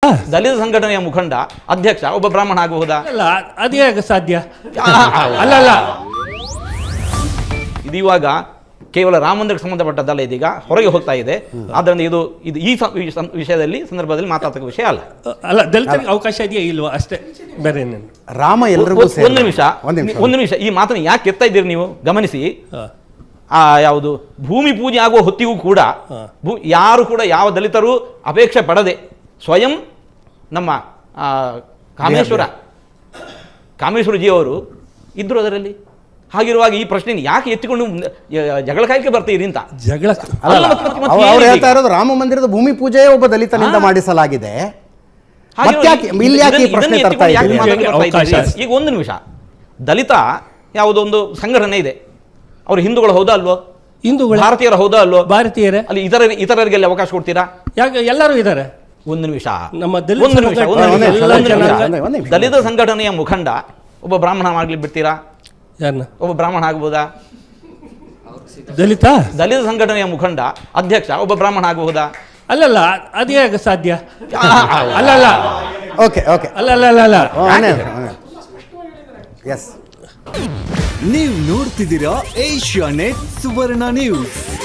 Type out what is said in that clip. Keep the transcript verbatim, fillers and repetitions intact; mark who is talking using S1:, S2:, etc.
S1: ದಲಿತ ಸಂಘಟನೆಯ ಮುಖಂಡ ಅಧ್ಯಕ್ಷ ಒಬ್ಬ ಬ್ರಾಹ್ಮಣ ಆಗಬಹುದಾ?
S2: ಅಲ್ಲ, ಅದೇ ಹೇಗೆ ಸಾಧ್ಯ? ಅಲ್ಲ ಅಲ್ಲ
S1: ಇದು ಇವಾಗ ಕೇವಲ ರಾಮ ಮಂದಿರಕ್ಕೆ ಸಂಬಂಧಪಟ್ಟದ್ದಲ್ಲ, ಇದೀಗ ಹೊರಗೆ ಹೋಗ್ತಾ ಇದೆ. ಆದ್ದರಿಂದ ಇದು ಇದು ಈ ವಿಷಯದಲ್ಲಿ ಸಂದರ್ಭದಲ್ಲಿ ಮಾತಾಡ್ತಕ್ಕ ವಿಷಯ ಅಲ್ಲ.
S2: ಅಲ್ಲ, ದಲಿತರಿಗೆ ಅವಕಾಶ ಇದೆಯಾ ಇಲ್ವಾ ಅಷ್ಟೇ, ಬೇರೆ ಏನೇನು.
S3: ರಾಮ ಎಲ್ರಿಗೂ
S1: ಒಂದು ನಿಮಿಷ ಒಂದು ನಿಮಿಷ ಈ ಮಾತನ್ನು ಯಾಕೆ ಎತ್ತಾ ಇದ್ದೀರಿ ನೀವು ಗಮನಿಸಿ. ಆ ಯಾವುದು ಭೂಮಿ ಪೂಜೆ ಆಗುವ ಹೊತ್ತಿಗೂ ಕೂಡ ಭೂ ಯಾರು ಕೂಡ ಯಾವ ದಲಿತರು ಅಪೇಕ್ಷೆ ಪಡದೆ ಸ್ವಯಂ ನಮ್ಮ ಕಾಮೇಶ್ವರ ಕಾಮೇಶ್ವರಜಿಯವರು ಇದ್ರು ಅದರಲ್ಲಿ. ಹಾಗಿರುವಾಗ ಈ ಪ್ರಶ್ನೆ ಯಾಕೆ ಎತ್ತಿಕೊಂಡು ಜಗಳ ಕಾಯ್ಕೆ ಬರ್ತೀರಿ ಅಂತ?
S3: ಜಗಳ ಅವ್ರು ಹೇಳ್ತಾ ಇರೋದು ರಾಮ ಮಂದಿರದ ಭೂಮಿ ಪೂಜೆ ಒಬ್ಬ ದಲಿತನಿಂದ ಮಾಡಿಸಲಾಗಿದೆ.
S1: ಈಗ ಒಂದು ನಿಮಿಷ, ದಲಿತ ಯಾವುದೊಂದು ಸಂಘಟನೆ ಇದೆ, ಅವರು ಹಿಂದೂಗಳು ಹೌದಾ ಅಲ್ವೋ?
S2: ಹಿಂದೂಗಳು
S1: ಭಾರತೀಯರ ಹೌದಾ ಅಲ್ವೋ?
S2: ಭಾರತೀಯರೇ.
S1: ಅಲ್ಲಿ ಇತರ ಇತರರಿಗೆ ಅವಕಾಶ ಕೊಡ್ತೀರಾ?
S2: ಯಾಕೆ ಎಲ್ಲರೂ ಇದ್ದಾರೆ.
S1: ಒಂದು ನಿಮಿಷ,
S2: ನಮ್ಮ
S1: ಒಂದು ನಿಮಿಷ, ದಲಿತ ಸಂಘಟನೆಯ ಮುಖಂಡ ಒಬ್ಬ ಬ್ರಾಹ್ಮಣ ಮಾಡ್ಲಿಕ್ಕೆ ಬಿಡ್ತೀರಾ?
S2: ಯಾರನ್ನ?
S1: ಒಬ್ಬ ಬ್ರಾಹ್ಮಣ ಆಗ್ಬೋದಾ?
S2: ದಲಿತ
S1: ದಲಿತ ಸಂಘಟನೆಯ ಮುಖಂಡ ಅಧ್ಯಕ್ಷ ಒಬ್ಬ ಬ್ರಾಹ್ಮಣ ಆಗಬಹುದಾ?
S2: ಅಲ್ಲಲ್ಲ, ಅದೇ ಹೇಗೆ ಸಾಧ್ಯ? ಅಲ್ಲ ಅಲ್ಲ
S3: ಓಕೆ ಓಕೆ
S2: ಅಲ್ಲ ಅಲ್ಲ ಅಲ್ಲ ಅಲ್ಲ
S3: ಎಸ್
S4: ನೀವು ನೋಡ್ತಿದ್ದೀರಾ ಏಷ್ಯಾ ನೆಟ್ ಸುವರ್ಣ ನ್ಯೂಸ್.